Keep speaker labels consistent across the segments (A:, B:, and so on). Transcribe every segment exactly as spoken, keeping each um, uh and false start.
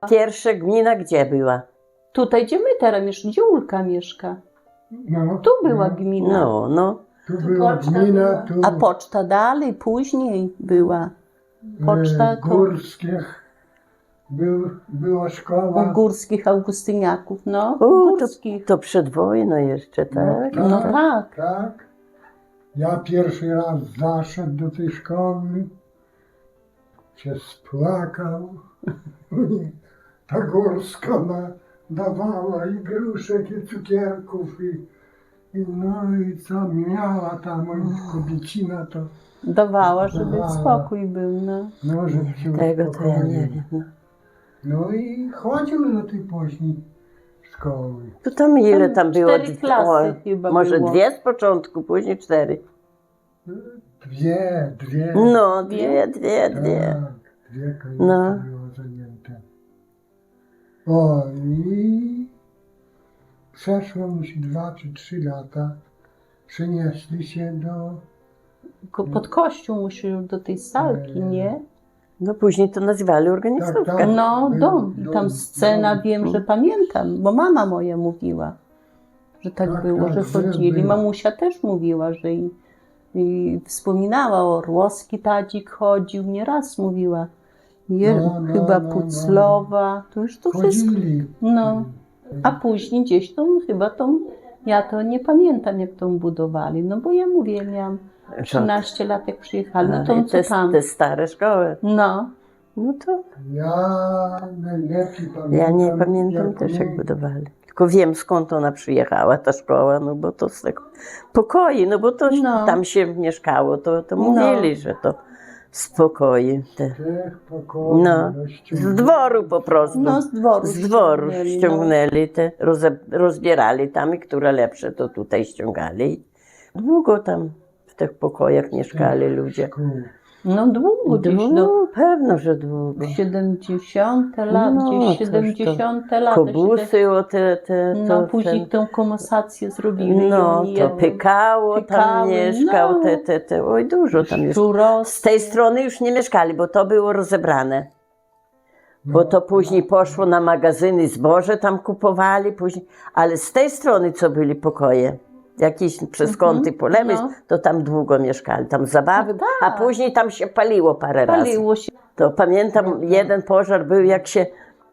A: Pierwsza gmina gdzie była?
B: Tutaj, gdzie my teraz mieszkamy, gdzie Ulka mieszka.
C: No,
B: Tu była
C: no,
B: gmina.
A: No, no.
C: Tu była
D: poczta
C: gmina,
D: była.
C: tu
B: A poczta dalej, później była. Poczta
C: e,
B: ko-
C: Górskich był, była szkoła.
B: u górskich Augustyniaków, no.
A: U, to,
B: Górskich.
A: to przed wojną jeszcze, tak?
C: No,
B: No tak.
C: Tak. Ja pierwszy raz zaszedł do tej szkoły, się spłakał. Ta Górska na, dawała i gruszek, i cukierków, i, i no i co miała tam kobiecina, to
B: Dawała, żeby
C: Dawała.
B: spokój był, no.
C: no, żeby się
A: Tego to ja
C: uspokoił.
A: nie wiem. No.
C: No i chodził do tej później szkoły.
A: To tam ile
B: Tam
A: tam było?
B: cztery klasy chyba
A: może
B: było.
A: dwie z początku, później cztery.
C: Dwie, dwie.
A: No, dwie, dwie, dwie.
C: Tak, dwie kobiety
A: No.
C: było zajęte. O, i przeszło mu się dwa czy trzy lata. Przenieśli się do...
B: Ko- Pod kościół musiał do tej salki, nie?
A: No później to nazywali organizówkę.
C: Tak, tak.
B: No,
C: Był
B: dom. I
C: dom,
B: tam scena,
C: dom.
B: wiem, że pamiętam, bo mama moja mówiła, że tak,
C: Tak,
B: było,
C: tak,
B: że
C: że
B: chodzili.
C: było.
B: Mamusia też mówiła, że i, i wspominała, Orłowski tadzik chodził, nieraz mówiła. Je,
C: No, no,
B: chyba
C: no, no.
B: Puclowa, to już to wszystko.
C: Chodzili.
B: No, a później gdzieś tą, chyba tą, ja to nie pamiętam jak tą budowali, no bo ja mówię, miałam trzynaście lat jak przyjechali, no to
A: I
B: co
A: te,
B: tam.
A: te stare szkoły.
B: No,
A: No to
C: Ja najlepiej pamiętam.
A: ja nie pamiętam
C: jak
A: też
C: my-
A: jak budowali. Tylko wiem skąd ona przyjechała, ta szkoła, no bo to z tego pokoi, no bo to
B: No.
A: tam się mieszkało, to, to
B: No.
A: mówili, że to z pokoi. Te,
C: Tych pokoi,
A: no,
C: ściągnęli.
A: z dworu po prostu.
B: no z dworu
A: Z dworu
B: ściągnęli,
A: ściągnęli, te, roze, rozbierali tam i które lepsze to tutaj ściągali. Długo tam w tych pokojach mieszkali ludzie.
C: Szkół.
B: No, no długo, gdzieś do
A: No, pewno, że długo.
B: siedemdziesiąte lat,
A: No,
B: gdzieś
A: coś to-
B: siedemdziesiąte lata.
A: Kobusy, o te, te,
B: siedem-
A: to,
B: No, później
A: ten,
B: tę komasację zrobili.
A: no,
B: i
A: to
B: oni
A: Pykało tam
B: Pykały,
A: mieszkał,
B: no.
A: te, te, te, oj dużo tam już.
B: Żurowscy.
A: Z tej strony już nie mieszkali, bo to było rozebrane. Bo to później poszło na magazyny, zboże tam kupowali, później, ale z tej strony, co byli pokoje, jakieś przez kąty po lewej,
B: no.
A: to tam długo mieszkali, tam zabawy,
B: No
A: a
B: tak.
A: później tam się paliło parę razy.
B: Paliło się.
A: To pamiętam, jeden pożar był, jak się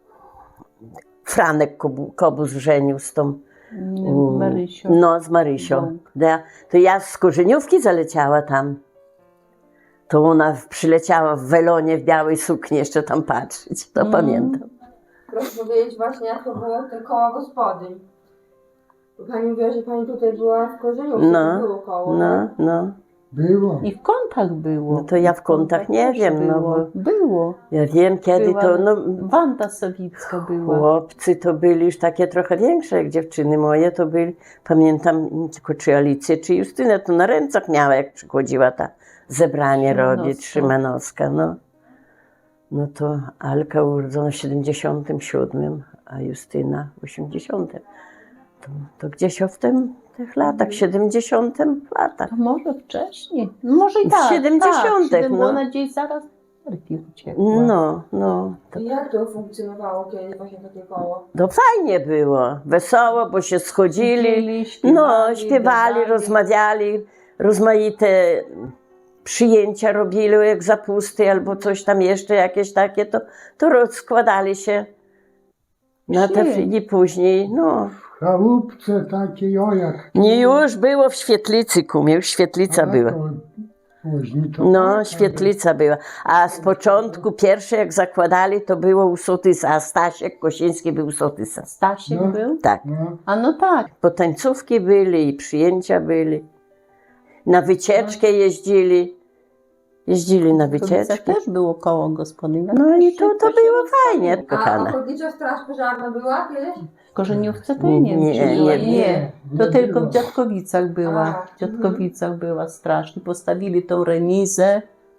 A: Franek Kobu- Kobus żenił z tą,
B: Mm, Marysią.
A: no z Marysią.
B: Bąk.
A: Ja, to ja z korzeniówki zaleciała tam. To ona przyleciała w welonie, w białej sukni jeszcze tam patrzeć, to
B: Mm.
A: pamiętam.
D: Proszę powiedzieć właśnie, jak to było te koło gospodyń. Bo pani mówiła, że pani tutaj była w Korzeniówce,
A: No,
D: to było koło.
A: No, no.
C: Było.
B: I w kątach było.
A: No to ja w kątach nie
B: też
A: wiem, no
B: było.
A: bo
B: Było.
A: ja wiem kiedy
B: Była
A: to, no
B: Wanda Sawicka była.
A: chłopcy to byli już takie trochę większe, jak dziewczyny moje to byli, pamiętam tylko czy Alicję, czy Justynę, to na rękach miała, jak przychodziła ta zebranie
B: Szymanowska.
A: robić, Szymanowska, no. No to Alka urodzona w siedemdziesiątym siódmym, a Justyna w osiemdziesiątym. To, to gdzieś o w tym, tych latach, siedemdziesiątym latach.
B: To może wcześniej. Może i
A: W
B: tak.
A: siedemdziesiątych,
B: tak,
A: no.
B: Bo ona gdzieś zaraz nerki uciekła.
A: No, no. To,
D: I jak to funkcjonowało kiedyś właśnie takie koło?
A: to fajnie było, wesoło, bo się schodzili.
B: Siedzieli, śpiewali,
A: No, śpiewali,
B: gadali.
A: rozmawiali, rozmaite przyjęcia robili, jak zapusty albo coś tam jeszcze jakieś takie, to, to rozkładali się na te
B: Szli.
A: i później, no.
C: W chałupce takiej, o jak.
A: Nie już było w świetlicy, kumie, już świetlica
C: A,
A: była.
C: to Później to
A: No,
C: tak,
A: świetlica była. A z początku pierwsze jak zakładali, to było u sotysa, a Stasiek Kosiński był u sotysa.
B: Stasiek
C: No.
B: był?
A: Tak.
C: No,
B: A no tak.
A: Bo tańcówki byli i przyjęcia byli. Na wycieczkę jeździli. Jeździli na
B: W Kobicach
A: wycieczki.
B: też było koło gospodyń.
A: No i to, to
B: się
A: było
B: rozstawiło.
A: fajnie,
D: A
A: kochana.
D: ochotnicza straż pożarna była kiedyś?
B: W Korzeniówce to ja nie wiem,
A: Nie,
B: czy była.
A: nie,
B: Nie, to
C: nie
B: tylko
C: było.
B: w Dziadkowicach była.
D: A,
B: W Dziadkowicach była strasznie. Postawili tą remizę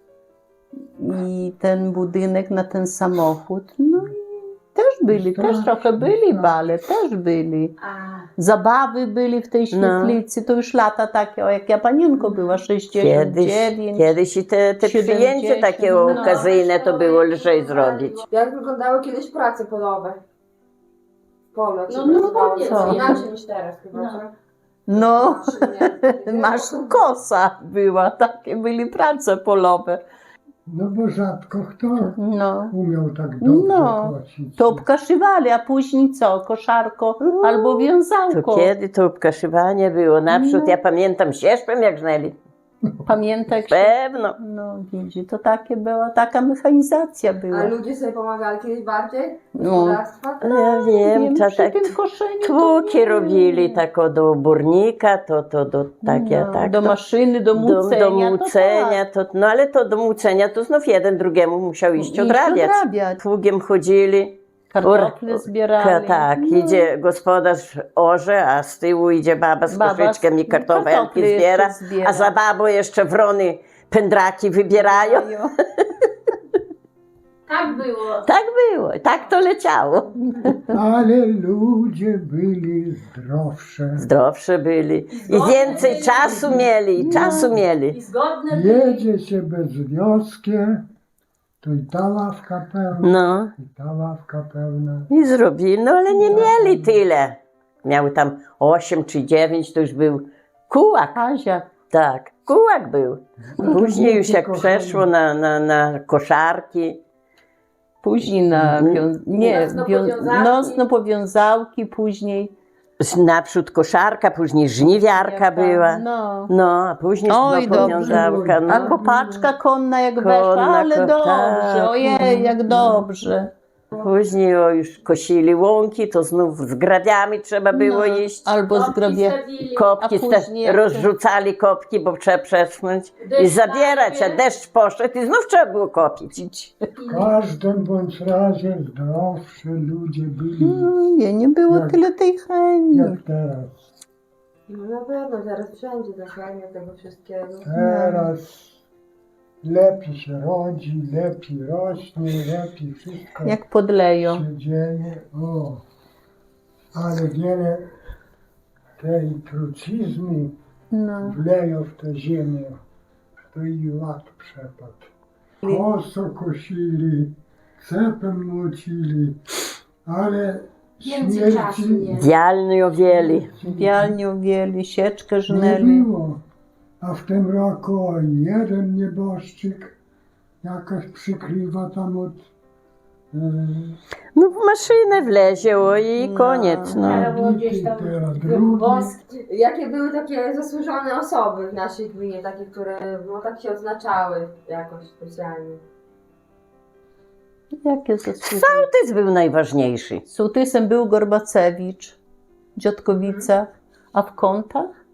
B: i ten budynek na ten samochód. No i też byli, też trochę byli bale, też byli.
D: A,
B: zabawy byli w tej świetlicy, to już lata takie, o jak ja panienko była, sześćdziesiąt
A: Kiedyś,
B: dziewięć.
A: kiedyś i te, te przyjęcie
B: siedemdziesiąt,
A: takie
B: no.
A: okazyjne to było lżej zrobić.
D: Jak wyglądały kiedyś prace polowe? Polo, jak się
E: No, no,
D: nazywało?
E: powiedz,
B: co?
D: Inaczej niż teraz chyba,
E: No.
D: co?
B: No,
D: Nie.
B: masz kosa była, takie byli prace polowe.
C: No bo rzadko kto
B: No.
C: umiał tak dobrze
B: No,
C: kosić.
B: to obkaszywali, a później co? Koszarko albo
A: To
B: wiązałko.
A: kiedy to obkaszywanie było? Naprzód
B: No.
A: ja pamiętam sierpem jak żnęli.
B: Pamiętaj, jak się...
A: Pewno.
B: No widzi, to takie była, taka mechanizacja
D: A
B: była.
D: ludzie sobie pomagali kiedyś bardziej?
B: No.
D: Gospodarstwa?
A: Ja wiem,
B: Wiem,
A: to
B: przy
A: tak
B: tym koszeniu to
A: tłuki
B: nie.
A: robili tak o, do burnika, to, to do takie,
B: No,
A: tak.
B: do
A: to,
B: maszyny, do
A: do,
B: mucenia.
A: do
B: to
A: mucenia, to, no ale to do mucenia to znów jeden drugiemu musiał
B: tak.
A: iść
B: Iść
A: odrabiać.
B: odrabiać.
A: Pługiem chodzili.
B: Kartofle
A: Ur-
B: zbierali.
A: Tak,
B: No.
A: idzie gospodarz orze, a z tyłu idzie baba z
B: Baba z-
A: koszyczkiem i kartofelki
B: kartofle jeszcze
A: zbiera,
B: zbiera.
A: a za babą jeszcze wrony pędraki wybierają.
E: Tak było.
A: Tak było, tak to leciało.
C: Ale ludzie byli zdrowsze.
A: Zdrowsze byli i więcej czasu mieli, i czasu
E: I
A: mieli.
E: zgodne byli.
C: Jedzie się bez wioskie, to i ta ławka pełna,
A: No
C: i ta ławka pełna.
A: i zrobili, no ale nie mieli tyle. Miały tam osiem czy dziewięć, to już był kułak,
B: Kazia.
A: tak, kułak był. Później już jak
C: Kochani.
A: przeszło na, na, na koszarki,
B: Później na wią... nie,
E: Nocno
B: wią...
E: powiązałki.
B: nocno powiązałki, później
A: naprzód koszarka, później żniwiarka była.
B: No.
A: No, a później
B: Oj,
A: znowu
B: dobrze.
A: powiązałka.
B: A
A: No.
B: kopaczka konna jak
A: Konna,
B: weszła, ale
A: ko-
B: dobrze,
A: tak.
B: ojej, jak dobrze.
A: Później o, już kosili łąki, to znów z grabiami trzeba było
B: No,
A: iść.
B: albo z
E: Kopki
B: grobie.
E: stawili.
A: Kopki,
B: a
A: ste-
B: później jak-
A: rozrzucali kopki, bo trzeba przesunąć i
E: Deszcz
A: zabierać, a
E: najpierw.
A: deszcz poszedł i znów trzeba było kopić.
C: W każdym bądź razie zdrowsze ludzie byli,
B: No, nie, nie było
C: Jak-
B: tyle tej chemii.
C: jak teraz.
D: No na pewno, teraz wszędzie zachłania tego wszystkiego.
C: Teraz lepiej się rodzi, lepiej rośnie, lepiej wszystko
B: Jak podleją.
C: się dzieje. O, ale wiele tej trucizny
B: No.
C: wleją w tę ziemię, to i ład przepadł. Koso kosili, cepem młocili, ale
E: Więcej czasu
C: śmierci
E: nie.
A: Dialny owieli.
B: Bialnią wieli, sieczkę
C: nie
B: żnęli.
C: było. A w tym roku o, jeden nieboszczyk jakoś przykrywa tam od e,
A: No w maszynę wlezie o, i
B: No.
A: koniec. No.
E: Trzeba było gdzieś tam
C: teraz drugi.
E: wosk.
D: Jakie były takie zasłużone osoby w naszej gminie, takie, które no, tak się odznaczały jakoś specjalnie?
B: Jakie zasługi?
A: Sołtys był najważniejszy.
B: Sołtysem był Gorbacewicz w Dziotkowicach, a w Kątach?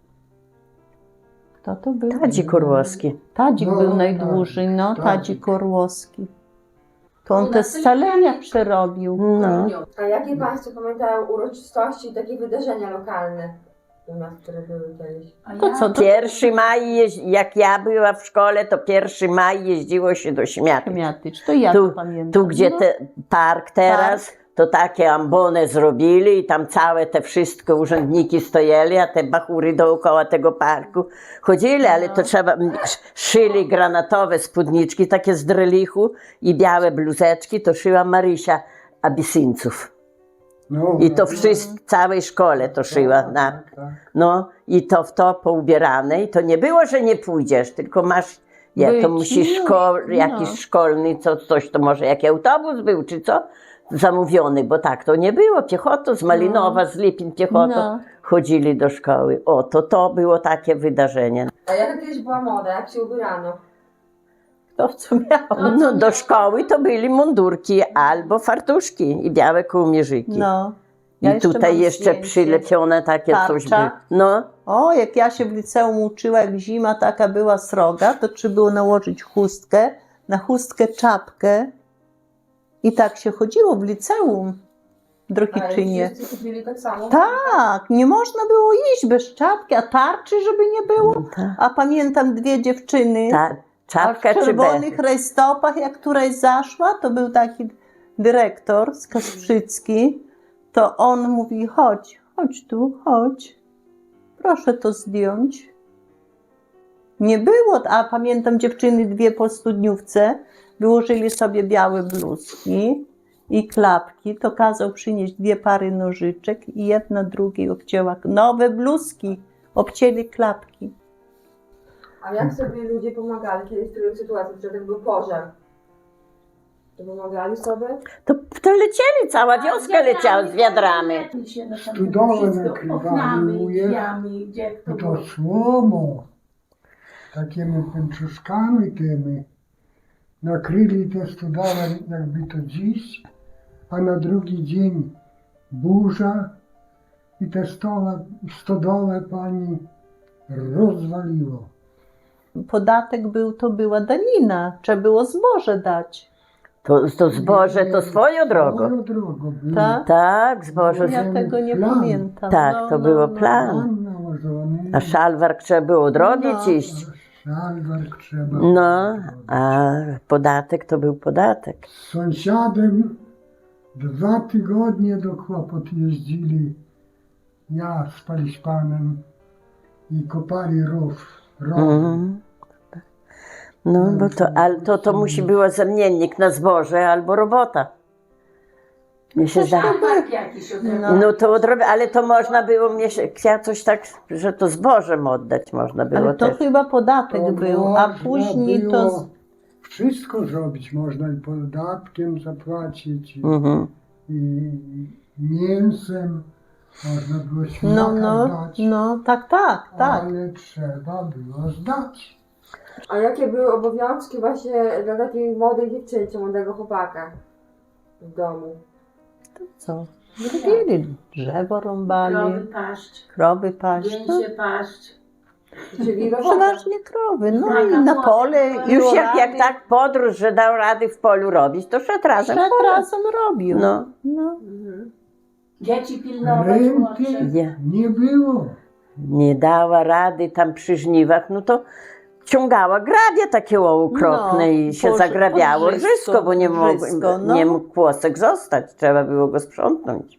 B: Kto to był?
A: Tadzik Orłowski.
B: Tadzik
C: No,
B: był
C: tak,
B: najdłużej, no,
C: Tadzik.
B: Tadzik Orłowski. To on
E: U
B: te
E: nas to
B: scalenia
E: nie-
B: przerobił.
A: No.
D: A jakie Państwo pamiętają uroczystości i takie wydarzenia lokalne u nas, które były kiedyś?
E: A
B: To
E: ja-
B: co, to
A: Pierwszy maj, jeź- jak ja była w szkole, to pierwszy maj jeździło się do Śmiaty.
B: Miatycz, to ja
A: Tu-
B: to pamiętam.
A: Tu, gdzie
B: no.
A: te, park teraz, to takie ambony zrobili i tam całe te wszystkie urzędniki stojeli, a te bachury dookoła tego parku chodzili, ale to trzeba, m, sz- szyli granatowe spódniczki, takie z drelichu i białe bluzeczki, to szyła Marysia Abisyńców.
C: No,
A: I to
C: no,
A: wszystko, całej szkole to szyła. Na,
C: tak, tak.
A: no i to w to poubierane i to nie było, że nie pójdziesz, tylko masz, ja to
B: Być,
A: musisz
B: no,
A: szko,
B: no.
A: jakiś szkolny, co, coś to może jaki autobus był, czy co, zamówiony, bo tak to nie było, piechotą z Malinowa, z Lipin piechotą
B: No.
A: chodzili do szkoły. O, to to było takie wydarzenie.
D: A jaka kiedyś była moda, jak się ubierano?
B: To co miał.
A: No do szkoły to byli mundurki albo fartuszki i białe kołmierzyki.
B: No. Ja
A: I
B: jeszcze
A: tutaj
B: mam
A: jeszcze
B: zdjęcie.
A: przylepione takie coś
B: Tarcza.
A: było. No,
B: O, jak ja się w liceum uczyła, jak zima taka była sroga, to trzeba było nałożyć chustkę, na chustkę czapkę i tak się chodziło w liceum w Drohiczynie.
D: Ale wszyscy chodzili tak samo?
B: Tak, nie można było iść bez czapki, a tarczy, żeby nie było.
A: tak.
B: A pamiętam dwie dziewczyny,
A: Ta
B: a w
A: czapka czy be?
B: czerwonych rajstopach, jak któraś zaszła, to był taki dyrektor z Kasprzycki, to on mówi, chodź, chodź tu, chodź. Proszę to zdjąć. Nie było, a pamiętam dziewczyny dwie po studniówce, wyłożyli sobie białe bluzki i klapki, to kazał przynieść dwie pary nożyczek i jedna drugiej obcięła nowe bluzki, obcięli klapki.
D: A jak sobie ludzie pomagali kiedyś w trudnych sytuacjach, że był pożar? To pomagali sobie?
A: To, to lecieli, cała wioska leciała z wiadrami.
C: Studole nakrywali,
E: Oknami,
C: uje.
E: drzwiami, gdzie kto
C: No
E: był.
C: to słomą, takimi pęczuszkami tymi, nakryli te studole jakby to dziś, a na drugi dzień burza i te stole, stodole pani rozwaliło.
B: Podatek był, to była danina, trzeba było zboże dać.
A: To, to zboże to swoją drogą.
C: Swoją drogą było.
B: Tak?
A: Tak, zboże.
B: Ja tego nie
C: Plan.
B: pamiętam.
A: Tak,
B: No,
A: to
B: no,
A: było
B: no.
A: plan.
C: Plan nałożony,
A: A szalwark trzeba było odrobić
B: No.
A: iść.
C: szalwark trzeba.
A: No, a podatek to był podatek.
C: Z sąsiadem dwa tygodnie do kłopot jeździli, ja z paliśpanem i kopali rów. rów.
A: Mhm. No, bo to, ale to, to musi było zamiennik na zboże albo robota. Mnie się zda...
E: Szlak jakiś od
B: No.
A: No to odrobię, ale to można było, mnie się chciała coś tak, że to zbożem oddać można było
B: Ale to
A: też.
B: chyba podatek
C: To
B: był, a
C: można
B: później to...
C: było wszystko zrobić, można i podatkiem zapłacić, i,
A: Mhm.
C: i mięsem, można było świnaka
B: No, no,
C: dać,
B: no, tak, tak, tak.
C: ale trzeba było zdać.
D: A jakie były obowiązki właśnie dla takiej młodej dziewczynki, młodego chłopaka w domu?
B: Co? Robili, drzewo rąbali,
E: krowy paść,
B: krowy paść. No,
E: gęsie paść.
D: Czyli robota.
B: przeważnie krowy, no
E: Tak,
B: i
E: a
B: na
E: młode
B: pole.
E: krowy.
B: i
A: Już jak,
B: orali.
A: jak tak podróż, że dał rady w polu robić, to szedł razem.
B: Szedł razem robił.
A: No.
B: No.
D: Mhm.
E: Dzieci pilnować
C: Renty
E: młodsze.
A: Nie.
C: nie było.
A: Nie dała rady tam przy żniwach, no to ciągała grabie takie okropne
B: No,
A: i się
B: Boże,
A: zagrabiało
B: podrzysko,
A: rżysko, bo nie mógł,
B: rżysko, no.
A: nie mógł kłosek zostać, trzeba było go sprzątnąć.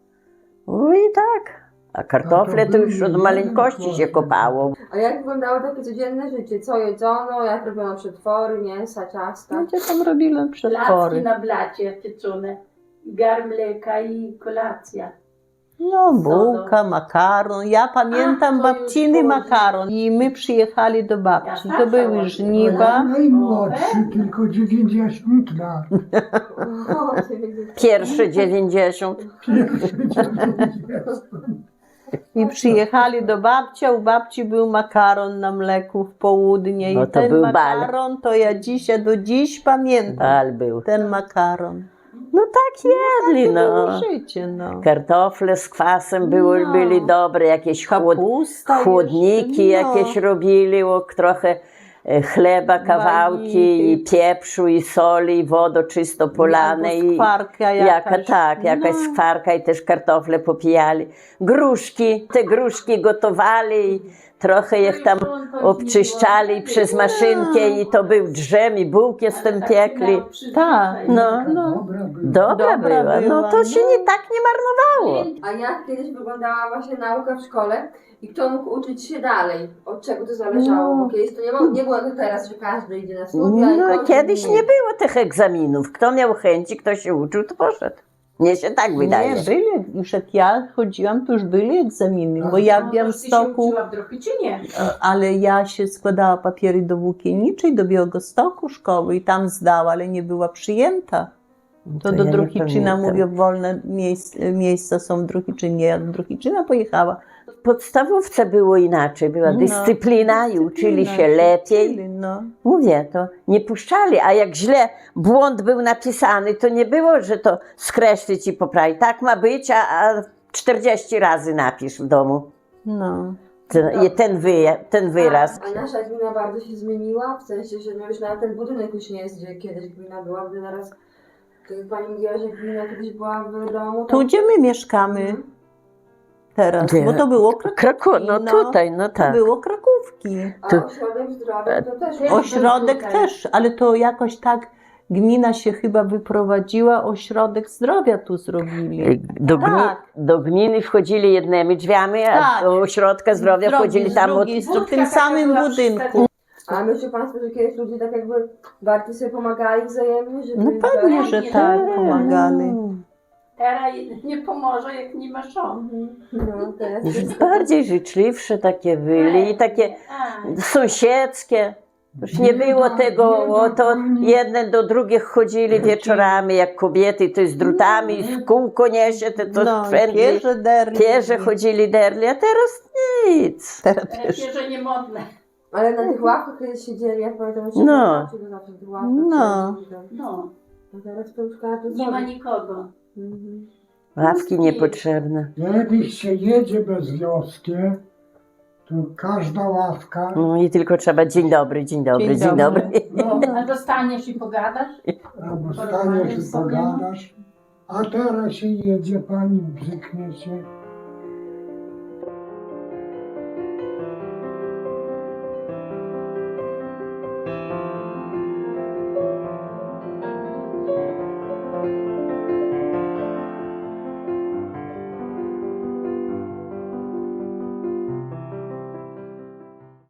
A: No i tak. A kartofle
C: No to
A: to już
C: był
A: od maleńkości się
C: jeden
A: kopało.
D: A jak wyglądało takie codzienne życie? Co jedzono, jak robiono przetwory, mięsa, ciasta?
B: Gdzie tam robili
E: Placki
B: przetwory?
E: na blacie pieczone. I gar mleka i kolacja.
B: No, bułka, makaron. Ja pamiętam
E: A, to już
B: babciny
E: później.
B: makaron. I my przyjechali do babci.
E: Ja
B: To były
E: zawsze
B: żniwa.
C: Najmłodszy, tylko dziewięćdziesiąt lat.
D: O,
A: Pierwsze dziewięćdziesiąt.
C: Pierwszy dziewięćdziesiąt.
B: I przyjechali do babci, a u babci był makaron na mleku w południe.
A: No
B: I
A: to
B: ten
A: był bal.
B: makaron to ja dzisiaj, do dziś pamiętam.
A: Bal był.
B: Ten makaron.
A: No tak jedli,
B: To było
A: no.
B: życie, no.
A: Kartofle z kwasem były,
B: No.
A: byli dobre, jakieś chłod,
B: Kapusta
A: chłodniki
B: jeszcze, no.
A: jakieś robili, o, trochę e, chleba, kawałki i pieprzu i soli, i wodo czysto polane
B: Albo
A: i
B: skwarka
A: jaka,
B: jakaś.
A: tak, jakaś
B: No.
A: skwarka i też kartofle popijali. Gruszki, te gruszki gotowali i trochę ich tam obczyszczali przez maszynkę i to był drzem i bułki z tym piekli.
B: Tak,
A: No,
B: no.
C: Dobra była.
A: Dobra,
B: Dobra
A: była, no
B: była,
A: to się
B: no.
A: nie tak nie marnowało.
D: A jak kiedyś wyglądała właśnie nauka w szkole i kto mógł uczyć się dalej? Od czego to zależało?
B: No.
D: Bo kiedyś to nie, ma, nie było jak teraz, że każdy idzie na studia i
A: No
D: kończy
A: kiedyś
D: inny.
A: nie było tych egzaminów. Kto miał chęci, kto się uczył, to poszedł. Mnie się tak wydaje.
B: Nie, byli, już jak ja chodziłam, to już byli egzaminy, bo ja w Białymstoku,
E: w Drohiczynie.
B: ale ja się składała papiery do Włókienniczej, do Białegostoku szkoły i tam zdała, ale nie była przyjęta. To, do
A: ja nie
B: Drohiczyna
A: pamiętam.
B: mówię, wolne miejsc, miejsca są w Drohiczynie, ja do Drohiczyna pojechała.
A: W podstawówce było inaczej, była
B: No,
A: dyscyplina i uczyli się
B: dyscyplina,
A: lepiej.
B: uczyli, No.
A: Mówię, to nie puszczali, a jak źle błąd był napisany, to nie było, że to skreślić i poprawić. Tak ma być, a, a czterdzieści razy napisz w domu
B: No.
A: ten, i ten, wy, ten wyraz.
D: A nasza gmina bardzo się zmieniła, w sensie, że no już nawet ten budynek już nie jest, gdzie kiedyś gmina była, gdy teraz, tak jak pani mówiła, że gmina kiedyś była w domu.
B: Tu, gdzie my mieszkamy teraz,
A: Gdzie?
B: bo to było Krakówki.
A: Kraku, no tutaj, no
B: To
A: tak.
B: było Krakówki.
D: A
A: tu-
D: ośrodek zdrowia to też
E: Też
B: Ośrodek
E: tutaj.
B: też, ale to jakoś tak gmina się chyba wyprowadziła, ośrodek zdrowia tu zrobili.
A: Do, gmi,
B: Tak.
A: do gminy wchodzili jednymi drzwiami, a
B: Tak.
A: do ośrodka zdrowia
B: Drogi
A: wchodzili
B: z
A: tam od...
B: drugiej strony, w tym
E: Budka taka
B: samym
E: była
B: budynku.
D: A myślą Państwo, że kiedyś ludzie tak jakby bardziej sobie pomagali wzajemnie? Żeby
B: No pewnie, że
E: Nie,
B: tak,
E: nie.
B: pomagali.
E: Teraz nie pomoże, jak nie ma żon.
D: No, teraz
A: Już bardziej życzliwsze takie byli i takie
E: A,
A: sąsiedzkie. Już nie było tego, o, to jedne do drugich chodzili wieczorami, jak kobiety, to z drutami, z kółko niesie, to, to
B: No,
A: wszędzie.
B: pierze derli.
A: Pierze chodzili derli, a teraz nic.
B: Teraz
E: teraz
B: pierze.
E: pierze nie modne.
D: Ale na tych ławkach kiedyś siedzieli, jak pamiętam, że
A: No.
D: no. zawsze w tych ławkach
B: No.
D: siedzieli.
E: No,
D: A teraz to już każdy
E: nie ma
D: sobie.
E: nikogo.
D: Mhm.
A: Ławki niepotrzebne.
C: Jak się jedzie bez wioski, to każda ławka,
A: No i tylko trzeba dzień dobry, dzień dobry,
B: Dzień
A: dzień
B: dobry.
A: dobry.
C: no,
E: A dostaniesz i pogadasz?
C: albo staniesz i pogadasz, a teraz się jedzie, pani brzyknie się,